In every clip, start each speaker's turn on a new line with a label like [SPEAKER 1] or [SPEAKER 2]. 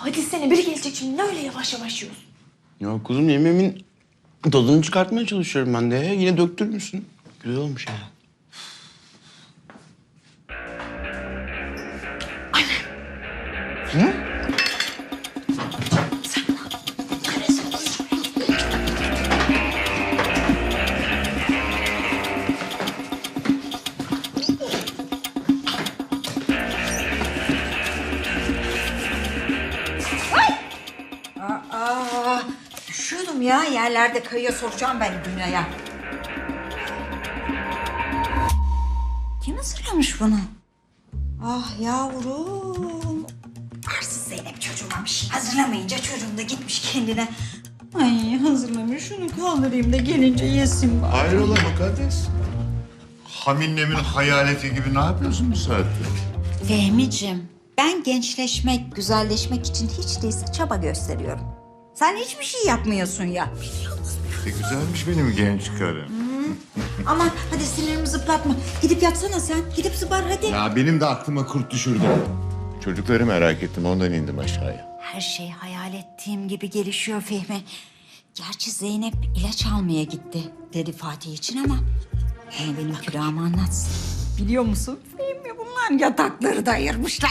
[SPEAKER 1] Hadi sene biri gelecek şimdi. Ne öyle yavaş yavaş yiyorsun?
[SPEAKER 2] Ya kuzum yemeğimin tadını çıkartmaya çalışıyorum ben de. Yine döktürmüşsün. Güzel olmuş ya. Anne. Hı?
[SPEAKER 3] Düşüyordum ya. Yerlerde kayıyor, soracağım ben Dünya'ya. Kim hazırlamış bunu? Ah yavrum. Arsız Zeynep çocuğumamış. Hazırlamayınca çocuğum da gitmiş kendine. Ay hazırlamış, şunu kaldırayım da gelince yesin bari.
[SPEAKER 4] Hayrola mukaddes? Haminlemin hayaleti gibi ne yapıyorsun bu saatte?
[SPEAKER 3] Fehmiciğim, ben gençleşmek, güzelleşmek için hiç değilse çaba gösteriyorum. Sen hiçbir şey yapmıyorsun ya.
[SPEAKER 4] Ne güzelmiş benim genç karım.
[SPEAKER 3] Aman hadi sinirimi zıplatma. Gidip yatsana sen. Gidip zıbar hadi.
[SPEAKER 4] Ya benim de aklıma kurt düşürdü. Çocukları merak ettim, ondan indim aşağıya.
[SPEAKER 3] Her şey hayal ettiğim gibi gelişiyor Fehmi. Gerçi Zeynep ilaç almaya gitti dedi Fatih için ama... benim külahımı anlatsın. Biliyor musun Fehmi, bunlar yatakları da ayırmışlar.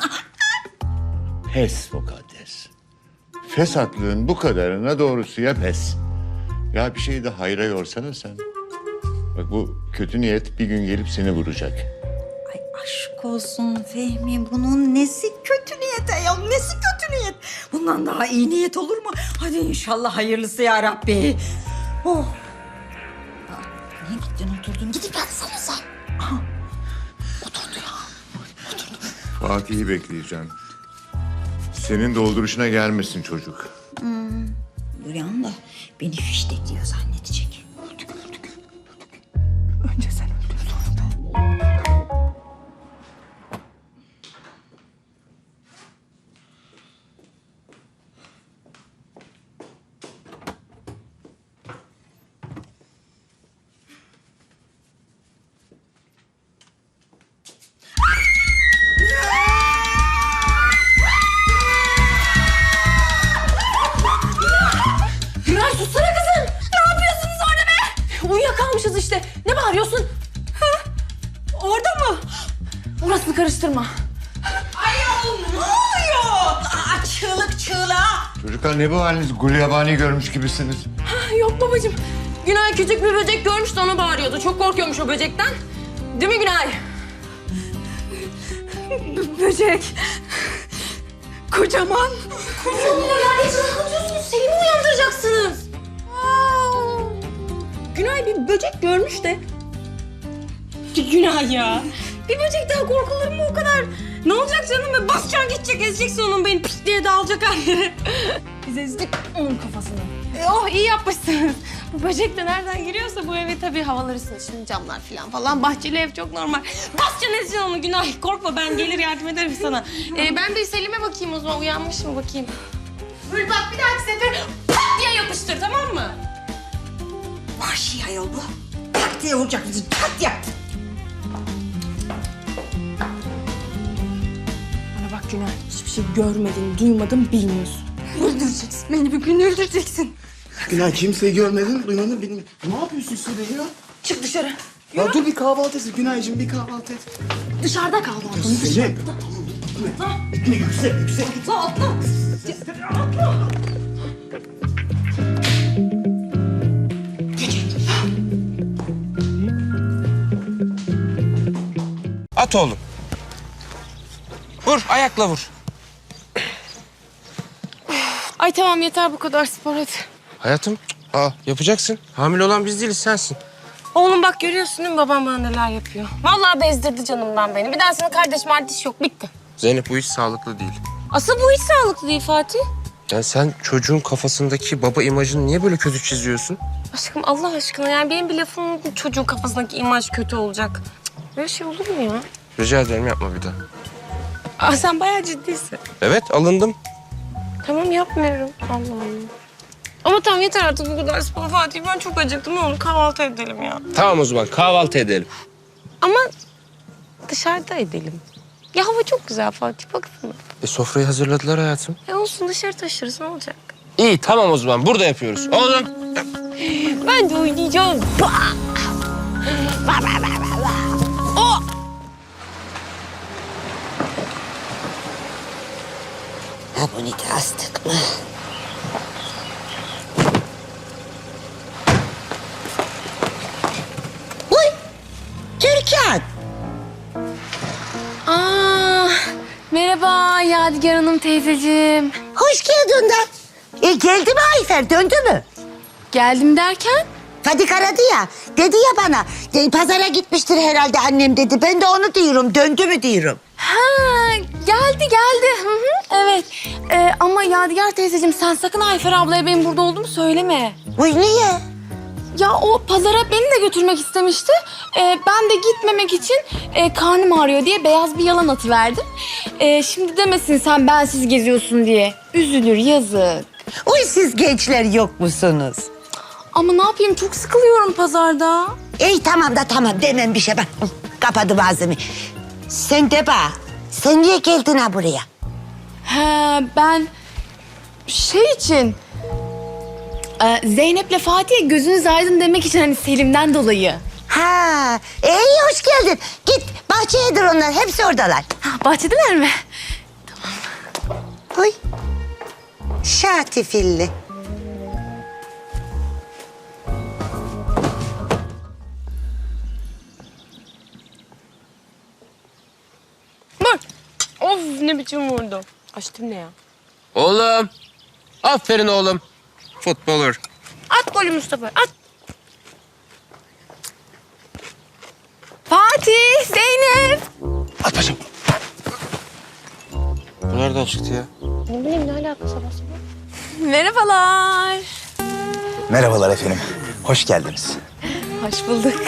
[SPEAKER 4] Pes mukaddes. Fesatlığın bu kadarına doğrusuya pes. Ya bir şeyi de hayra yorsana sen. Bak bu kötü niyet bir gün gelip seni vuracak.
[SPEAKER 3] Ay aşk olsun Fehmi, bunun nesi kötü niyet ayol, nesi kötü niyet? Bundan daha iyi niyet olur mu? Hadi inşallah hayırlısı ya Rabbi. Oh. Aa, niye gittin oturdun? Gidip yatsana sen. Aha. Oturdu ya. Oturdu.
[SPEAKER 4] Fatih'i bekleyeceğim. Senin dolduruşuna gelmesin çocuk.
[SPEAKER 3] Duyan da beni fiştekliyor zannedecek.
[SPEAKER 1] Önce sen öldür sonra ben. Güray sussana kızım. Ne yapıyorsunuz orada be? Uyuyakalmışız işte. Ne bağırıyorsun? Ha? Orada mı? Orasını karıştırma.
[SPEAKER 3] Ayol ne oluyor? Aa, çığlık çığlığa.
[SPEAKER 4] Çocuklar ne bu haliniz? Gulyabani görmüş gibisiniz.
[SPEAKER 1] Yok babacığım. Günay küçük bir böcek görmüş de ona bağırıyordu. Çok korkuyormuş o böcekten. Değil mi Günay? Böcek. Kocaman. Kocaman. Ya hiç korkuyorsunuz. Selim'i uyandıracaksınız. Günay bir böcek görmüş de. Günay ya. Bir böcekten korkulur mu o kadar? Ne olacak canım? Be? Basacaksın gidecek, ezeceksin onun beni pis diye dağılacak her yere. Biz ezdik onun kafasını. Oh iyi yapmışsınız. Bu böcek de nereden giriyorsa bu eve tabii havalar ısınır. Şimdi camlar falan. Bahçeli ev çok normal. Basacaksın ezeceksin onu Günay. Korkma ben gelir yardım ederim sana. Ben bir Selim'e bakayım o zaman. Uyanmış mı bakayım. Böyle bak bir dahaki sefer pat diye yapıştır tamam mı?
[SPEAKER 3] Vahşi ayol bu. Tak diye vuracak bizi. Tak yaptı.
[SPEAKER 1] Bana bak Günay. Hiçbir şey görmedin, duymadın, bilmiyorsun. Öldüreceksin. Beni bir gün öldüreceksin.
[SPEAKER 2] Günay kimseyi görmedin, duymadın, bilmiyorum. Ne yapıyorsun Sude ya?
[SPEAKER 1] Çık dışarı.
[SPEAKER 2] Ya dur bir kahvaltı et Günaycığım, bir kahvaltı et.
[SPEAKER 1] Dışarıda kal balkonun dışarıda.
[SPEAKER 2] Zeynep. Yüksek.
[SPEAKER 1] Atla atla.
[SPEAKER 5] At oğlum. Vur, ayakla vur.
[SPEAKER 1] Ay tamam yeter bu kadar spor hadi.
[SPEAKER 5] Hayatım, yapacaksın. Hamile olan biz değiliz, sensin.
[SPEAKER 1] Oğlum bak görüyorsun değil mi babam bana neler yapıyor. Vallahi bezdirdi canımdan beni. Bir daha sana kardeş yok bitti.
[SPEAKER 5] Zeynep bu hiç sağlıklı değil.
[SPEAKER 1] Asıl bu hiç sağlıklı değil Fatih.
[SPEAKER 5] Yani sen çocuğun kafasındaki baba imajını niye böyle kötü çiziyorsun?
[SPEAKER 1] Aşkım Allah aşkına yani benim bir lafım çocuğun kafasındaki imaj kötü olacak. Cık, böyle şey olur mu ya?
[SPEAKER 5] Rica ederim yapma bir daha.
[SPEAKER 1] Aa sen bayağı ciddisin.
[SPEAKER 5] Evet, alındım.
[SPEAKER 1] Tamam yapmıyorum. Allah Allah. Ama tamam yeter artık bu kadar spor Fatih. Ben çok acıktım. Ne olur kahvaltı edelim ya.
[SPEAKER 5] Tamam o zaman kahvaltı edelim.
[SPEAKER 1] Ama dışarıda edelim. Ya hava çok güzel Fatih baksana.
[SPEAKER 5] Sofrayı hazırladılar hayatım.
[SPEAKER 1] Olsun dışarı taşırız ne olacak?
[SPEAKER 5] İyi tamam o zaman burada yapıyoruz. Oğlum.
[SPEAKER 1] Ben de oynayacağım.
[SPEAKER 6] Abonite astık mı? Uy! Türkan!
[SPEAKER 1] Merhaba Yadigar Hanım teyzeciğim.
[SPEAKER 6] Hoş geldin de. Geldi mi Ayfer? Döndü mü?
[SPEAKER 1] Geldim derken?
[SPEAKER 6] Fadik aradı ya. Dedi ya bana. Pazara gitmiştir herhalde annem dedi. Ben de onu diyorum. Döndü mü diyorum.
[SPEAKER 1] Ha geldi. Hı hı, evet. Ama Yadigar teyzeciğim sen sakın Ayfer ablaya benim burada olduğumu söyleme.
[SPEAKER 6] Uy niye?
[SPEAKER 1] Ya o pazara beni de götürmek istemişti. Ben de gitmemek için karnım ağrıyor diye beyaz bir yalan atıverdim. Şimdi demesin sen bensiz geziyorsun diye. Üzülür yazık.
[SPEAKER 6] Uy siz gençler yok musunuz?
[SPEAKER 1] Ama ne yapayım çok sıkılıyorum pazarda.
[SPEAKER 6] İyi tamam da tamam demem bir şey bak. Kapadım ağzımı. Sen de bak. Sen niye geldin ha buraya?
[SPEAKER 1] He ben şey için Zeynep'le Fatih'e gözünüz aydın demek için hani Selim'den dolayı.
[SPEAKER 6] Ha, iyi hoş geldin. Git bahçeyedir onlar. Hepsi oradalar.
[SPEAKER 1] Ha, bahçedeler mi?
[SPEAKER 6] Oy. Şatifilli.
[SPEAKER 1] Bak. Of ne biçim vurdu. Açtım ne ya?
[SPEAKER 5] Oğlum. Aferin oğlum. Futbolur.
[SPEAKER 1] At golü Mustafa at. Fatih, Zeynep.
[SPEAKER 2] At paşam.
[SPEAKER 5] Bu nereden çıktı ya?
[SPEAKER 1] Ne bileyim ne alakası var sabah? Merhabalar.
[SPEAKER 7] Merhabalar efendim. Hoş geldiniz.
[SPEAKER 1] Hoş bulduk.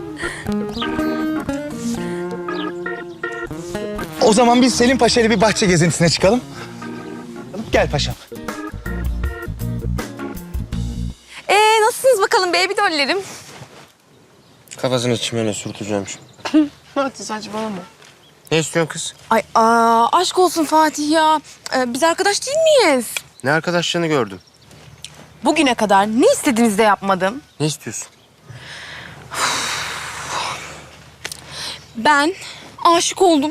[SPEAKER 7] O zaman biz Selim Paşa ile bir bahçe gezintisine çıkalım. Gel paşam.
[SPEAKER 1] Nasılsınız bakalım baby dollerim?
[SPEAKER 5] Kafasını çimene sürteceğim şimdi.
[SPEAKER 1] Hadi saçmalama.
[SPEAKER 5] Ne istiyorsun kız?
[SPEAKER 1] Ay aşk olsun Fatih ya. Biz arkadaş değil miyiz?
[SPEAKER 5] Ne arkadaşlığını gördüm.
[SPEAKER 1] Bugüne kadar ne istediğinizde yapmadım.
[SPEAKER 5] Ne istiyorsun?
[SPEAKER 1] Ben aşık oldum.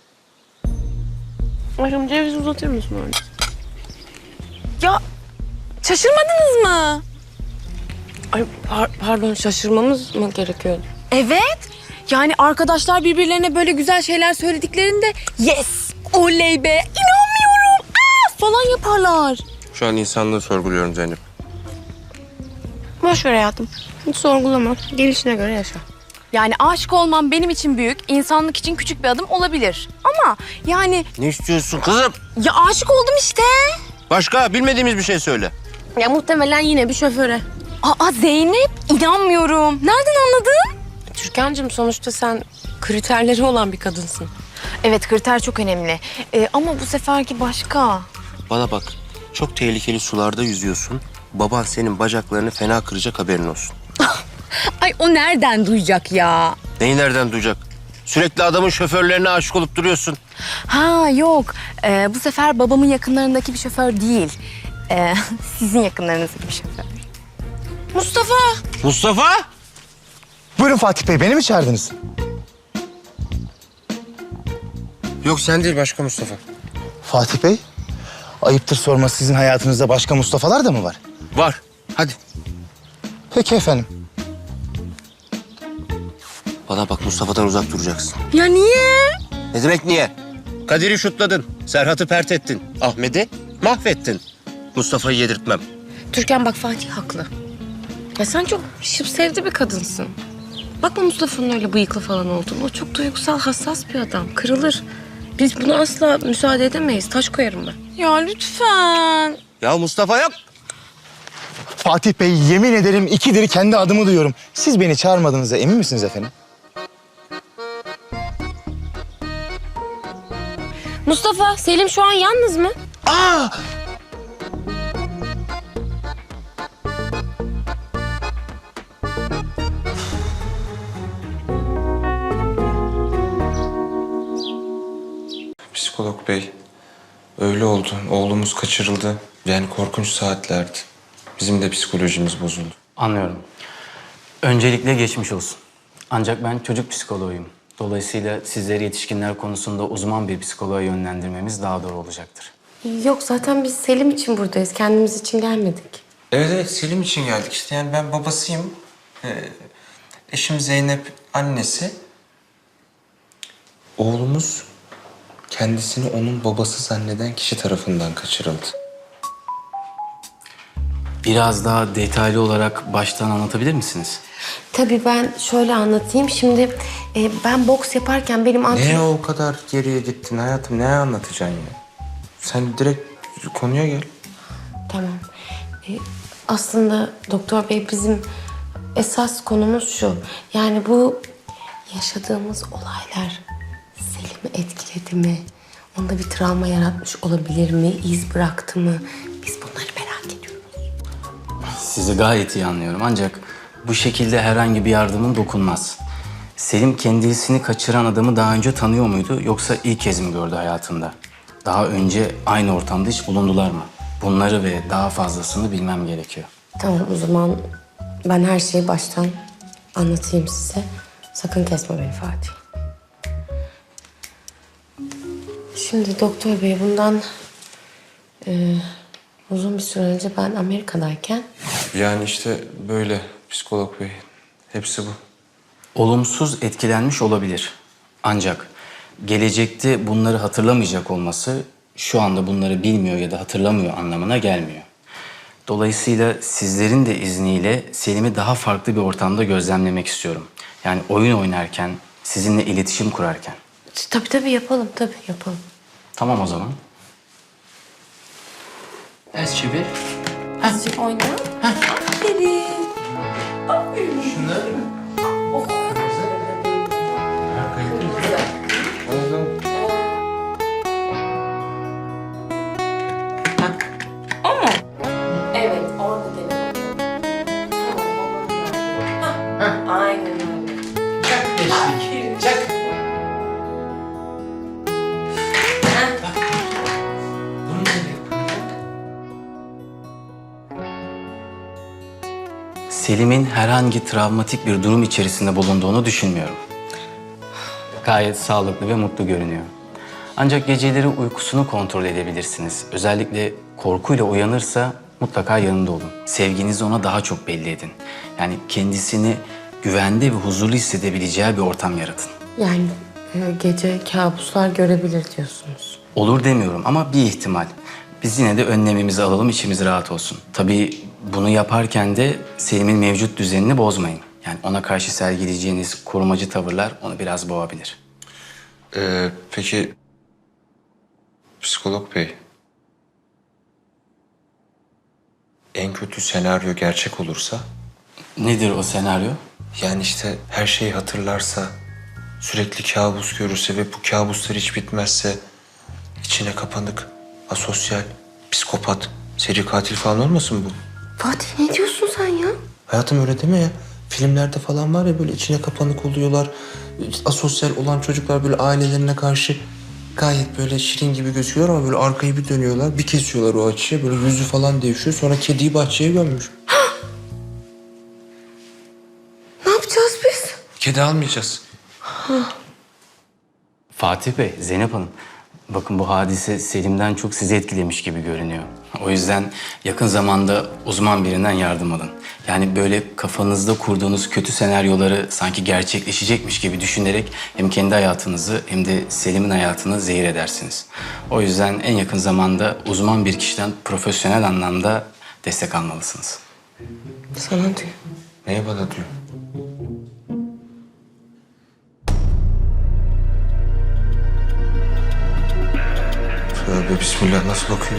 [SPEAKER 1] Aşkım ceviz uzatır mısın öyle? Ya şaşırmadınız mı?
[SPEAKER 8] Ay pardon şaşırmamız mı gerekiyor?
[SPEAKER 1] Evet. Yani arkadaşlar birbirlerine böyle güzel şeyler söylediklerinde yes, oley be, inanmıyorum falan yaparlar.
[SPEAKER 5] Şu an insanlığı sorguluyorum Zeynep.
[SPEAKER 8] Boş ver hayatım. Hiç sorgulama. Gelişine göre yaşa.
[SPEAKER 1] Yani aşık olmam benim için büyük, insanlık için küçük bir adım olabilir. Ama yani
[SPEAKER 5] Ne istiyorsun kızım?
[SPEAKER 1] ya aşık oldum işte.
[SPEAKER 5] Başka bilmediğimiz bir şey söyle.
[SPEAKER 8] Ya muhtemelen yine bir şoföre.
[SPEAKER 1] Aa Zeynep, inanmıyorum. Nereden anladın?
[SPEAKER 8] Türkan'cığım sonuçta sen kriterleri olan bir kadınsın.
[SPEAKER 1] Evet, kriter çok önemli. Ama bu seferki başka.
[SPEAKER 5] Bana bak. Çok tehlikeli sularda yüzüyorsun. Baban senin bacaklarını fena kıracak haberin olsun.
[SPEAKER 1] Ay o nereden duyacak ya?
[SPEAKER 5] Neyi nereden duyacak? Sürekli adamın şoförlerine aşık olup duruyorsun.
[SPEAKER 1] Ha yok, bu sefer babamın yakınlarındaki bir şoför değil. Sizin yakınlarınızdaki bir şoför. Mustafa!
[SPEAKER 5] Mustafa!
[SPEAKER 7] Buyurun Fatih Bey, beni mi çağırdınız?
[SPEAKER 5] Yok sen değil başka Mustafa.
[SPEAKER 7] Fatih Bey, ayıptır sorması sizin hayatınızda başka Mustafa'lar da mı var?
[SPEAKER 5] Var. Hadi.
[SPEAKER 7] Peki efendim.
[SPEAKER 5] Bana bak Mustafa'dan uzak duracaksın.
[SPEAKER 1] Ya niye?
[SPEAKER 5] Ne demek niye? Kadir'i şutladın. Serhat'ı pert ettin. Ahmet'i mahvettin. Mustafa'yı yedirtmem.
[SPEAKER 8] Türkan bak Fatih haklı. Ya sen çok şıp sevdi bir kadınsın. Bakma Mustafa'nın öyle bıyıklı falan olduğunu. O çok duygusal, hassas bir adam. Kırılır. Biz buna asla müsaade edemeyiz. Taş koyarım ben.
[SPEAKER 1] Ya lütfen.
[SPEAKER 5] Ya Mustafa yok.
[SPEAKER 7] Fatih Bey, yemin ederim ikidir kendi adımı duyuyorum. Siz beni çağırmadığınıza emin misiniz efendim?
[SPEAKER 8] Mustafa, Selim şu an yalnız mı?
[SPEAKER 7] Aa!
[SPEAKER 9] Psikolog bey, öyle oldu. Oğlumuz kaçırıldı. Yani korkunç saatlerdi. Bizim de psikolojimiz bozuldu.
[SPEAKER 10] Anlıyorum. Öncelikle geçmiş olsun. Ancak ben çocuk psikoloğuyum. Dolayısıyla sizleri yetişkinler konusunda uzman bir psikoloğa yönlendirmemiz daha doğru olacaktır.
[SPEAKER 8] Yok zaten biz Selim için buradayız. Kendimiz için gelmedik.
[SPEAKER 9] Evet evet, Selim için geldik işte. Yani ben babasıyım. Eşim Zeynep annesi. Oğlumuz kendisini onun babası zanneden kişi tarafından kaçırıldı.
[SPEAKER 10] Biraz daha detaylı olarak baştan anlatabilir misiniz?
[SPEAKER 8] Tabii ben şöyle anlatayım. Şimdi ben boks yaparken benim
[SPEAKER 9] Ne o kadar geriye gittin hayatım? Ne anlatacaksın ya? Sen direkt konuya gel.
[SPEAKER 8] Tamam. Aslında doktor bey bizim esas konumuz şu. Yani bu yaşadığımız olaylar Selim'i etkiledi mi? Onda bir travma yaratmış olabilir mi? İz bıraktı mı? Biz bunları merak ediyoruz.
[SPEAKER 10] Sizi gayet iyi anlıyorum ancak bu şekilde herhangi bir yardımın dokunmaz. Selim kendisini kaçıran adamı daha önce tanıyor muydu yoksa ilk kez mi gördü hayatında? Daha önce aynı ortamda hiç bulundular mı? Bunları ve daha fazlasını bilmem gerekiyor.
[SPEAKER 8] Tamam o zaman ben her şeyi baştan anlatayım size. Sakın kesme beni Fatih. Şimdi doktor bey bundan uzun bir süre önce ben Amerika'dayken
[SPEAKER 9] Yani işte böyle psikolog bey. Hepsi bu.
[SPEAKER 10] Olumsuz etkilenmiş olabilir. Ancak gelecekte bunları hatırlamayacak olması şu anda bunları bilmiyor ya da hatırlamıyor anlamına gelmiyor. Dolayısıyla sizlerin de izniyle Selim'i daha farklı bir ortamda gözlemlemek istiyorum. Yani oyun oynarken, sizinle iletişim kurarken.
[SPEAKER 8] tabii yapalım yapalım.
[SPEAKER 10] Tamam o zaman. Ters çevir.
[SPEAKER 8] Azıcık oyna. Aferin.
[SPEAKER 10] Şunları mı?
[SPEAKER 8] Evet orada deneyelim. Aynen öyle.
[SPEAKER 10] Çak. Bunu Selim'in herhangi travmatik bir durum içerisinde bulunduğunu düşünmüyorum. Gayet sağlıklı ve mutlu görünüyor. Ancak geceleri uykusunu kontrol edebilirsiniz. Özellikle korkuyla uyanırsa mutlaka yanında olun. Sevginizi ona daha çok belli edin. Yani kendisini güvende ve huzurlu hissedebileceği bir ortam yaratın.
[SPEAKER 8] Yani gece kabuslar görebilir diyorsunuz.
[SPEAKER 10] Olur demiyorum ama bir ihtimal. Biz yine de önlemimizi alalım, içimiz rahat olsun. Tabii bunu yaparken de Selim'in mevcut düzenini bozmayın. Yani ona karşı sergileyeceğiniz korumacı tavırlar onu biraz boğabilir.
[SPEAKER 9] Peki psikolog bey. En kötü senaryo gerçek olursa?
[SPEAKER 10] Nedir o senaryo?
[SPEAKER 9] Yani işte her şeyi hatırlarsa, sürekli kabus görürse ve bu kabuslar hiç bitmezse, içine kapanık, asosyal, psikopat, seri katil falan olmasın bu?
[SPEAKER 8] Fatih ne diyorsun sen ya?
[SPEAKER 9] Hayatım öyle deme ya. Filmlerde falan var ya böyle içine kapanık oluyorlar. Asosyal olan çocuklar böyle ailelerine karşı gayet böyle şirin gibi gözüküyorlar ama böyle arkayı bir dönüyorlar. Bir kesiyorlar o açıya böyle yüzü falan devşiyor. Sonra kediyi bahçeye gömmüş.
[SPEAKER 8] Ne yapacağız biz?
[SPEAKER 9] Kedi almayacağız.
[SPEAKER 10] Fatih Bey, Zeynep Hanım. Bakın bu hadise Selim'den çok sizi etkilemiş gibi görünüyor. O yüzden yakın zamanda uzman birinden yardım alın. Yani böyle kafanızda kurduğunuz kötü senaryoları sanki gerçekleşecekmiş gibi düşünerek hem kendi hayatınızı hem de Selim'in hayatını zehir edersiniz. O yüzden en yakın zamanda uzman bir kişiden profesyonel anlamda destek almalısınız.
[SPEAKER 8] Sana diyor.
[SPEAKER 9] Neye bana diyor? Tövbe bismillah, nasıl bakıyor?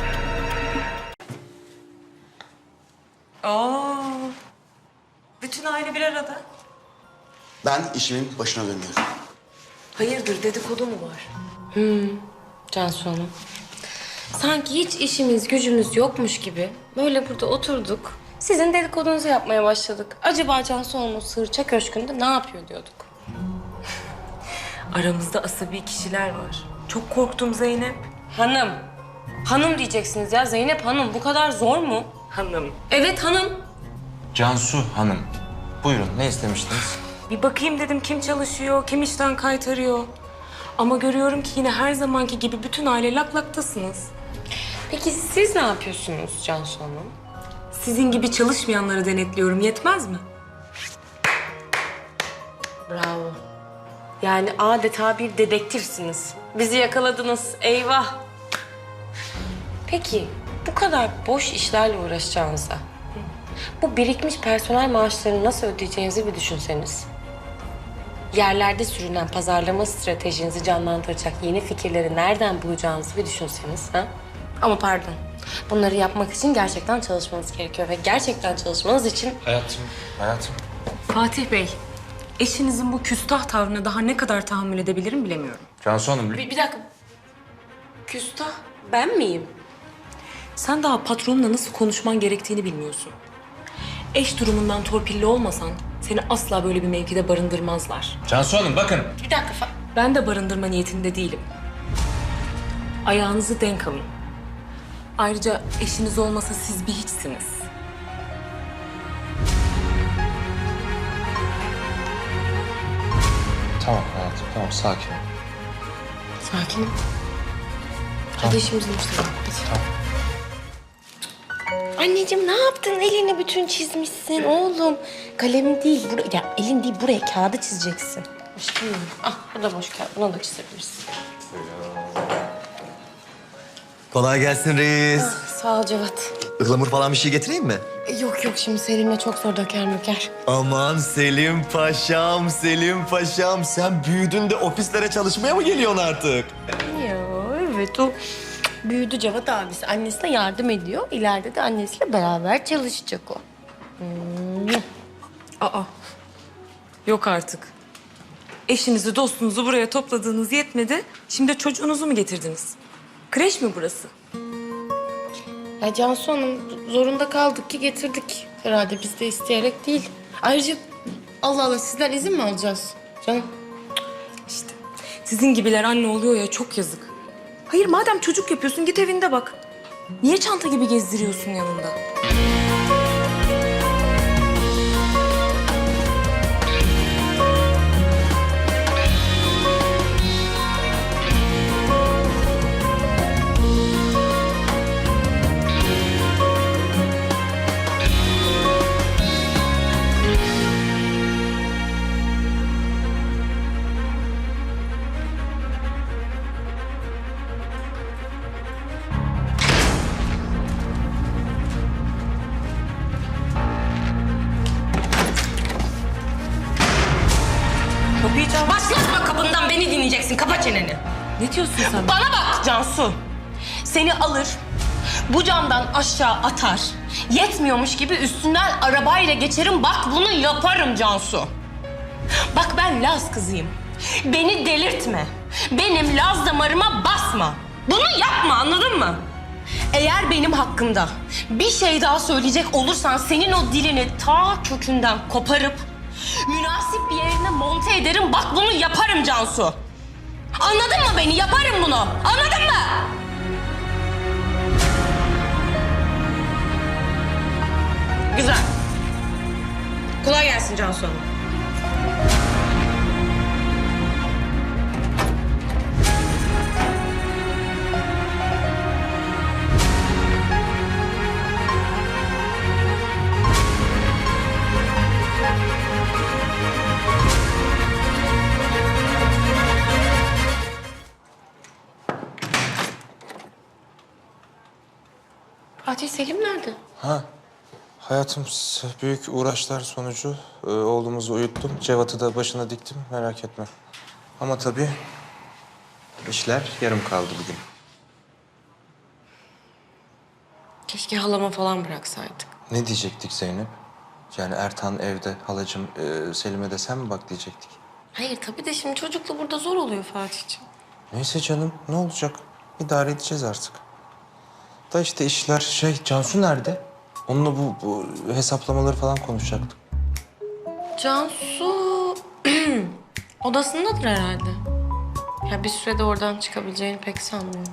[SPEAKER 3] Bütün aile bir arada.
[SPEAKER 2] Ben işimin başına dönüyorum.
[SPEAKER 8] Hayırdır dedikodu mu var? Cansu Hanım. Sanki hiç işimiz gücümüz yokmuş gibi böyle burada oturduk. Sizin dedikodunuzu yapmaya başladık. Acaba Cansu Hanım o Sığırça Köşkü'nde ne yapıyor diyorduk. Aramızda asabi kişiler var. Çok korktum Zeynep. Hanım. Hanım diyeceksiniz ya. Zeynep Hanım. Bu kadar zor mu? Hanım. Evet hanım.
[SPEAKER 9] Cansu Hanım. Buyurun, ne istemiştiniz?
[SPEAKER 8] Bir bakayım dedim kim çalışıyor, kim işten kaytarıyor. Ama görüyorum ki yine her zamanki gibi bütün aile laklaktasınız. Peki siz ne yapıyorsunuz Cansu Hanım? Sizin gibi çalışmayanları denetliyorum. Yetmez mi? Bravo. Yani adeta bir dedektifsiniz. Bizi yakaladınız. Eyvah. Peki bu kadar boş işlerle uğraşacağınıza bu birikmiş personel maaşlarını nasıl ödeyeceğinizi bir düşünseniz. Yerlerde sürünen pazarlama stratejinizi canlandıracak yeni fikirleri nereden bulacağınızı bir düşünseniz. Ha? Ama pardon. Bunları yapmak için gerçekten çalışmanız gerekiyor ve gerçekten çalışmanız için...
[SPEAKER 9] Hayatım.
[SPEAKER 8] Fatih Bey, eşinizin bu küstah tavrına daha ne kadar tahammül edebilirim bilemiyorum.
[SPEAKER 9] Cansu Hanım,
[SPEAKER 8] Bir dakika. Küstah ben miyim? Sen daha patronla nasıl konuşman gerektiğini bilmiyorsun. Eş durumundan torpilli olmasan seni asla böyle bir mevkide barındırmazlar.
[SPEAKER 9] Cansu Hanım bakın.
[SPEAKER 8] Bir dakika. Ben de barındırma niyetinde değilim. Ayağınızı denk alın. Ayrıca eşiniz olmasa siz bir hiçsiniz.
[SPEAKER 9] Tamam hayatım, tamam sakin ol.
[SPEAKER 8] Sakinim. Hadi işimizin üstüne. Anneciğim ne yaptın? Elini bütün çizmişsin oğlum. Kalem değil, ya elin değil buraya kağıdı çizeceksin. Aşkım benim. Ah bu da boş kağıt. Buna da çizebilirsin.
[SPEAKER 11] Kolay gelsin reis.
[SPEAKER 8] Sağ ol Cevat.
[SPEAKER 11] Ihlamur falan bir şey getireyim mi?
[SPEAKER 8] Yok yok şimdi Selim'le çok zor döker möker.
[SPEAKER 11] Aman Selim Paşam, Selim Paşam. Sen büyüdün de ofislere çalışmaya mı geliyorsun artık?
[SPEAKER 8] Ya evet o büyüdü Cevat abisi. Annesine yardım ediyor. İleride de annesiyle beraber çalışacak o. Aa. Yok artık. Eşinizi, dostunuzu buraya topladığınız yetmedi. Şimdi çocuğunuzu mu getirdiniz? Kreş mi burası? Ya Cansu Hanım zorunda kaldık ki getirdik. Herhalde biz de isteyerek değil. Ayrıca Allah Allah sizden izin mi alacağız? Canım işte sizin gibiler anne oluyor ya çok yazık. Hayır madem çocuk yapıyorsun git evinde bak. Niye çanta gibi gezdiriyorsun yanında?
[SPEAKER 1] Başlatma kapından beni dinleyeceksin. Kapa çeneni.
[SPEAKER 8] Ne diyorsun sen?
[SPEAKER 1] Bana bak Cansu. Seni alır, bu camdan aşağı atar. Yetmiyormuş gibi üstünden arabayla geçerim. Bak bunu yaparım Cansu. Bak ben Laz kızıyım. Beni delirtme. Benim Laz damarıma basma. Bunu yapma anladın mı? Eğer benim hakkımda bir şey daha söyleyecek olursan senin o dilini ta kökünden koparıp münasip bir yerine monte ederim. Bak bunu yaparım Cansu. Anladın mı beni? Yaparım bunu. Anladın mı? Güzel. Kolay gelsin Cansu Hanım.
[SPEAKER 8] Fatih Selim nerede?
[SPEAKER 9] Ha. Hayatım büyük uğraşlar sonucu oğlumuzu uyuttum. Cevat'ı da başına diktim merak etme. Ama tabii işler yarım kaldı bugün.
[SPEAKER 8] Keşke halama falan bıraksaydık.
[SPEAKER 9] Ne diyecektik Zeynep? Yani Ertan evde, halacığım Selim'e de sen mi bak diyecektik?
[SPEAKER 8] Hayır tabii de şimdi çocukla burada zor oluyor Fatih'ciğim.
[SPEAKER 9] Neyse canım ne olacak? İdare edeceğiz artık. Da işte işler Cansu nerede? Onunla bu hesaplamaları falan konuşacaktık.
[SPEAKER 8] Cansu odasındadır herhalde. Ya bir sürede oradan çıkabileceğini pek sanmıyorum.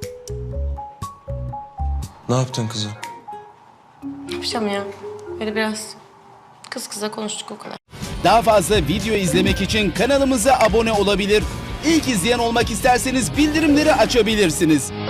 [SPEAKER 9] Ne yaptın kızım?
[SPEAKER 8] Ne yapacağım ya? Böyle biraz kız kıza konuştuk o kadar.
[SPEAKER 12] Daha fazla video izlemek için kanalımıza abone olabilir. İlk izleyen olmak isterseniz bildirimleri açabilirsiniz.